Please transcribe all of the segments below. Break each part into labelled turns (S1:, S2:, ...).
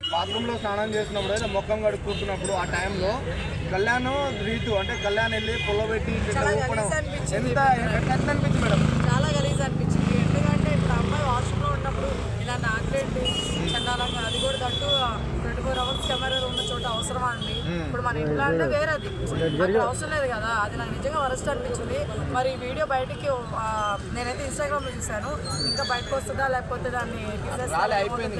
S1: బాత్రూంలో స్నానం చేసినప్పుడు అయితే ముఖం కడుక్కుంటున్నప్పుడు ఆ టైంలో కళ్యాణ్ రీతు అంటే కళ్యాణ్ వెళ్ళి పొల్లబెట్టి ఎంత ఎట్లా అనిపించింది మేడం?
S2: చాలా గలీజ్ అనిపించింది. ఎందుకంటే ఇప్పుడు అమ్మాయి వాష్రూమ్లో ఉన్నప్పుడు ఇలా నాకలేంటి చండాలంగా, అది కూడా తట్టు 24 hours కెమెరా ఉన్న చోట అవసరమా అండి? ఇప్పుడు మన ఇంట్లో అంటే వేరేది అక్కడ అవసరం లేదు కదా. అది నాకు నిజంగా వరస్ట్ అనిపించింది. మరి ఈ వీడియో బయటికి నేనైతే ఇన్స్టాగ్రామ్లో చూశాను. ఇంకా బయటకు వస్తుందా లేకపోతే దాన్ని
S1: అయిపోయింది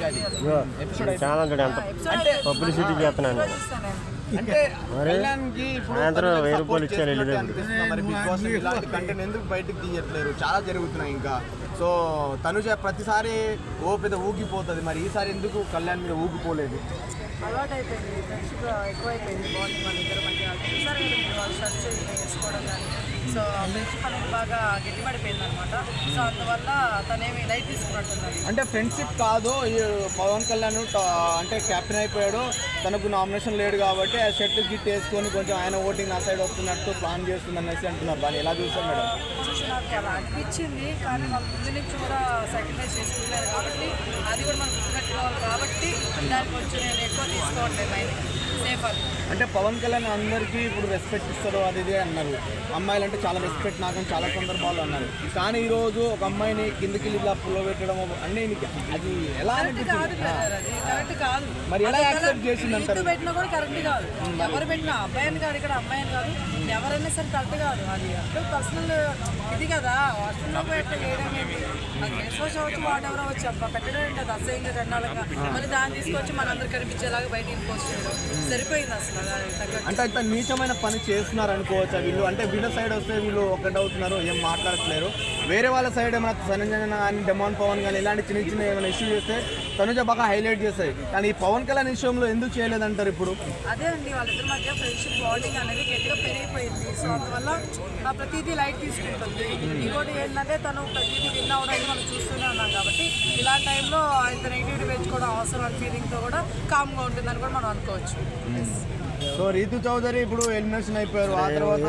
S3: పబ్లిసిటీ చేస్తున్నాను
S1: అంటే కళ్యాణ్కి ఇప్పుడు మరి బిగ్ బాస్ ఇలాంటి కంటెంట్ ఎందుకు బయటకు తీయట్లేరు? చాలా జరుగుతున్నాయి ఇంకా. సో తనుజ ప్రతిసారి పెద్ద ఊగిపోతుంది, మరి ఈసారి ఎందుకు కళ్యాణ్ మీద ఊగిపోలేదు?
S2: అలవాటు అయిపోయింది, ఫ్రెండ్షిప్ ఎక్కువైపోయింది, బాగుంది మన ఇద్దరు మధ్య. చూసారు కదా వాళ్ళు షర్ట్స్ వేసుకోవడం కానీ. సో ఫ్రెండ్షిప్ అనేది బాగా గట్టిపడిపోయింది అనమాట. సో అందువల్ల తనేమి లైట్ తీసుకున్నట్టున్నది.
S1: అంటే ఫ్రెండ్షిప్ కాదు, పవన్ కళ్యాణ్ అంటే క్యాప్టెన్ అయిపోయాడు, తనకు నామినేషన్ లేడు కాబట్టి ఆ షర్ట్ గిట్ వేసుకొని కొంచెం ఆయన ఓటింగ్ ఆ సైడ్ వస్తున్నట్టు ప్లాన్ చేస్తుంది అనేసి అంటున్నారు. దాన్ని ఎలా చూస్తాం మేడం?
S2: నాకు అలా అనిపించింది, కానీ వాళ్ళు ముందు నుంచి కూడా సాక్రిఫైస్ చేసుకుంటారు కాబట్టి అది కూడా మనం గుర్తుపెట్టుకోవాలి కాబట్టి దానికి కొంచెం నేను ఎక్కువ తీసుకోవట్లేదు. ఆయన సేఫ్ అది.
S1: అంటే పవన్ కళ్యాణ్ అందరికీ ఇప్పుడు రెస్పెక్ట్ ఇస్తారు అది ఇదే అన్నారు. అమ్మాయిలు అంటే చాలా రెస్పెక్ట్ నాకు చాలా సందర్భాలు అన్నారు. కానీ ఈరోజు ఒక అమ్మాయిని కిందికి ఇలా పుల్ల పెట్టడం అన్నీ అది ఎలా
S2: కరెక్ట్ కాదు.
S1: మరి ఎలా యాక్సెప్ట్ చేసింది అంటారు?
S2: పెట్టినా కూడా కరెక్ట్ కాదు. ఎవరు పెట్టినా అబ్బాయిని కాదు, ఇక్కడ అమ్మాయిని కాదు, ఎవరైనా సరే కరెక్ట్ కాదు. అది అంటే పర్సనల్ ఇది కదా. వాష్రూమ్లో ఎట్లా చేయడం ఏంటి? అది ఫేస్ వాష్ అవచ్చు, వాట్ ఎవరో వచ్చి పెట్టడం ఏంటి? అది అసహ్యంగా చండాలంగా మళ్ళీ దాన్ని తీసుకొచ్చి మనందరూ కనిపించేలాగా బయట పోస్ట్ చేయడం సరిపోయింది అసలు.
S1: అంటే అంత నీచమైన పని చేస్తున్నారు అనుకోవచ్చా వీళ్ళు? అంటే వీళ్ళ సైడ్ వస్తే వీళ్ళు ఒకటి అవుతున్నారు, ఏం మాట్లాడట్లేరు. వేరే వాళ్ళ సైడ్ ఏమైనా సంజన కానీ డెమాన్ పవన్ కానీ ఇలాంటి చిన్న చిన్న ఏమైనా ఇష్యూ చేస్తే తనుజ బాగా హైలైట్ చేస్తాయి. కానీ ఈ పవన్ కళ్యాణ్ విషయంలో ఎందుకు చేయలేదంటారు ఇప్పుడు?
S2: అదే అండి, వాళ్ళిద్దరి మధ్య ఫ్రెండ్షిప్ బాండింగ్ అనేది గట్టిగా పెరిగిపోయింది. సో అందువల్ల ప్రతిదీ లైట్ తీసుకుంటుంది. ఇంకోటి ఏంటంటే తను ప్రతిదీ విన్ అవడానికి మనం చూస్తూనే ఉన్నాం కాబట్టి ఇలాంటి టైంలో ఇంత నెగిటివిటీ పెంచుకోవడం అవసరం అని ఫీలింగ్తో కూడా కామ్గా ఉంటుందని కూడా మనం అనుకోవచ్చు.
S1: సో రీతు చౌదరి ఇప్పుడు ఎలిమినేషన్ అయిపోయారు. ఆ తర్వాత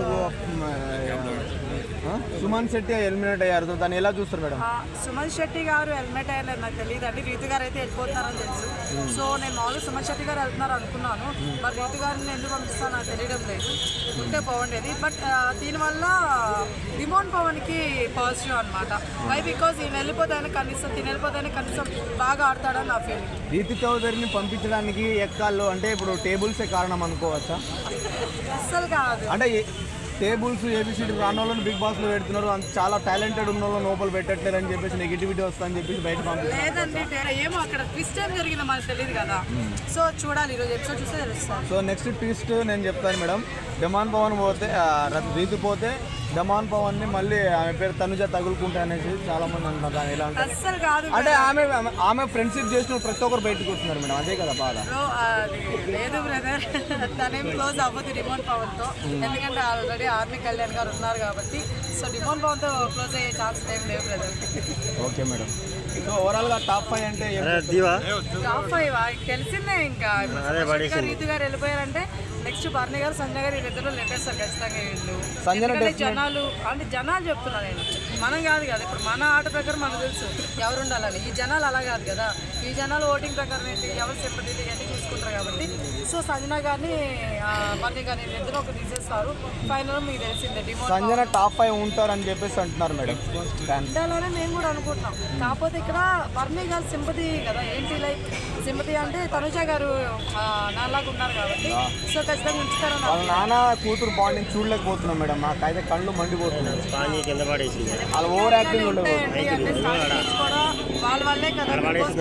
S1: సుమన్ శెట్టి ఎలిమినేట్ అయ్యారు. దాన్ని ఎలా చూస్తారు మేడం?
S2: సుమన్ శెట్టి గారు ఎలిమినేట్ అయ్యారు నాకు తెలియదు అండి. రీతు గారు అయితే వెళ్ళిపోతున్నారని తెలుసు. సో నేను మామూలుగా సుమన్ శెట్టి గారు వెళ్తున్నారు అనుకున్నాను. మరి రీతు గారిని ఎందుకు పంపిస్తాను నాకు తెలియడం లేదు. ఉంటే బాగుండేది. బట్ దీనివల్ల డిమోన్ పవన్కి పాజిటివ్ అనమాట. వై బికాజ్ ఈయన వెళ్ళిపోతాయని కనీసం తిని వెళ్ళిపోతాయని కనీసం బాగా ఆడతాడని నా ఫీలింగ్.
S1: రీతు చౌదరిని పంపించడానికి ఎక్కాల్లో అంటే ఇప్పుడు టేబుల్సే కారణం అనుకోవచ్చా?
S2: అస్సలు కాదు.
S1: అంటే టేబుల్స్ ఏబిసిడి రాని వాళ్ళని బిగ్ బాస్లో పెడుతున్నారు, అంత చాలా టాలెంటెడ్ ఉన్న వాళ్ళని లోపల పెట్టట్లేరు అని చెప్పేసి నెగిటివిటీ వస్తుందని చెప్పేసి బయట పంపిస్తారు.
S2: లేదండి, ఏమో అక్కడ ట్విస్ట్ ఏం జరిగిందో మనకు తెలియదు కదా. సో చూడాలి, ఈరోజు ఎపిసోడ్ చూస్తే తెలుస్తుంది.
S1: సో నెక్స్ట్ ట్విస్ట్ నేను చెప్తాను మేడం. డెమాన్ పవన్ పోతే రీతు పోతే డెమాన్ పవన్ ని మళ్ళీ ఆమె పేరు తనుజ తగులుకుంటా అనేసి చాలా మంది అంటున్నారు. ఎలా
S2: అస్సలు కాదు
S1: అంటే ఆమె ఫ్రెండ్షిప్ చేసిన ప్రతి ఒక్కరు బయటకు వస్తున్నారు మేడం, అదే కదా బాధ?
S2: లేదు బ్రదర్, తనేం క్లోజ్ అవ్వదు డిమోన్ పవన్ తో. ఎందుకంటే ఆల్రెడీ ఆర్మీ కళ్యాణ్ గారు ఉన్నారు కాబట్టి. సో డిమోన్ పవన్ తో క్లోజ్ అయ్యే ఛాన్స్ ఏం లేవు brother.
S1: Okay madam. So overall గా టాప్ 5 అంటే
S2: టాప్ 5 తెలిసిందే. ఇంకా రీతు గారు వెళ్ళిపోయారంటే నెక్స్ట్ బర్నీ గారు సంజయ్ గారు వీళ్ళిద్దరు లెటేస్తారు ఖచ్చితంగా. వీళ్ళు జనాలు అంటే జనాలు చెప్తున్నా నేను, మనం కాదు కదా. ఇప్పుడు మన ఆట ప్రకారం మనకు తెలుసు ఎవరు ఉండాలని. ఈ జనాలు అలా కాదు కదా. ఈ జనాలు ఓటింగ్ ప్రకారం ఏంటి, ఎవరు సింపతి ఇవన్నీ చూసుకుంటారు కాబట్టి. సో సంజన గారిని బర్నీ గారిని ఇద్దరు ఒక తీసేస్తారు. ఫైనల్ మీకు తెలిసిందే
S1: సంజన టాప్ 5 ఉంటారని చెప్పేసి అంటున్నారు మేడం.
S2: ఉండాలని మేము కూడా అనుకుంటున్నాం. కాకపోతే ఇక్కడ బర్నీ గారు సింపతి కదా. ఏంటి లైక్ సింపతి అంటే తనుజ గారు నాలాగా ఉన్నారు కాబట్టి. సో ఖచ్చితంగా ఉంచుతారని
S1: వాళ్ళ నాన్న కూతురు బాండింగ్ చూడలేకపోతున్నాం మేడం. నాకైతే కళ్ళు మండిపోతున్నాయి. వాళ్ళ ఓవర్ యాక్టింగ్ ఉండదు
S2: వాళ్ళ వల్లే కదా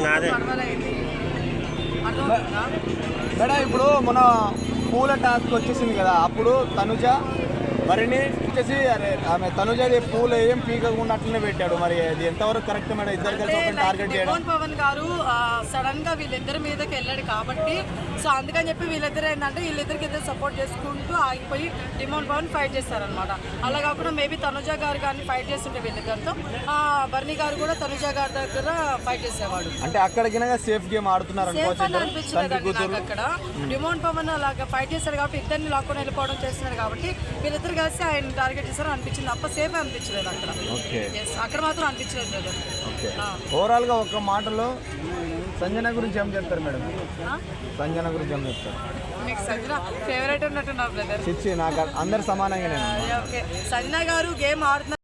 S1: మేడం. ఇప్పుడు మన పూల టాస్క్ వచ్చేసింది కదా, అప్పుడు తనుజ మరిని వచ్చేసి ఆమె తనుజది పూలు ఏం పీకకుండా అట్లనే పెట్టాడు. మరి అది ఎంతవరకు కరెక్ట్ మేడం? ఇద్దరు కలిసి ఒక టార్గెట్ చేయడం.
S2: డిమోన్ పవన్ గారు సడన్ గా వీళ్ళిద్దరి మీదకి వెళ్ళాడు కాబట్టి. సో అందుకని చెప్పి వీళ్ళిద్దరు ఏంటంటే వీళ్ళిద్దరికి ఇద్దరు సపోర్ట్ చేసుకుంటూ ఆగిపోయి డిమోన్ పవన్ ఫైట్ చేస్తారనమాట. అలా కాకుండా మేబీ తనుజ గారు కానీ ఫైట్ చేస్తుంటే వీళ్ళిద్దరితో బర్నీ గారు కూడా తనుజ గారి దగ్గర ఫైట్ చేసేవాడు.
S1: అంటే అక్కడికి సేఫ్ గేమ్ ఆడుతున్నారు
S2: అనిపించలేదు అక్కడ. డిమోన్ పవన్ అలాగా ఫైట్ చేశాడు కాబట్టి ఇద్దరిని లాక్కొని వెళ్ళిపోవడం చేస్తున్నాడు కాబట్టి వీళ్ళిద్దరు కలిసి ఆయన టార్గెట్ చేశారు అనిపించింది తప్ప సేఫ్ అనిపించలేదు అక్కడ. అక్కడ మాత్రం అనిపించలేదు.
S1: ఓవరాల్ గా ఒక మాటలో సంజన గురించి ఏం చెప్తారు మేడం? సంజన గురించి ఏం చెప్తారు?
S2: మీకు సంజన ఫేవరెట్ ఉన్నట్టున్నారు బ్రదర్.
S1: చిచ్చి నాకు అందరు సమానంగా నేను.
S2: ఓకే, సంజన గారు గేమ్ ఆడుతున్నారు.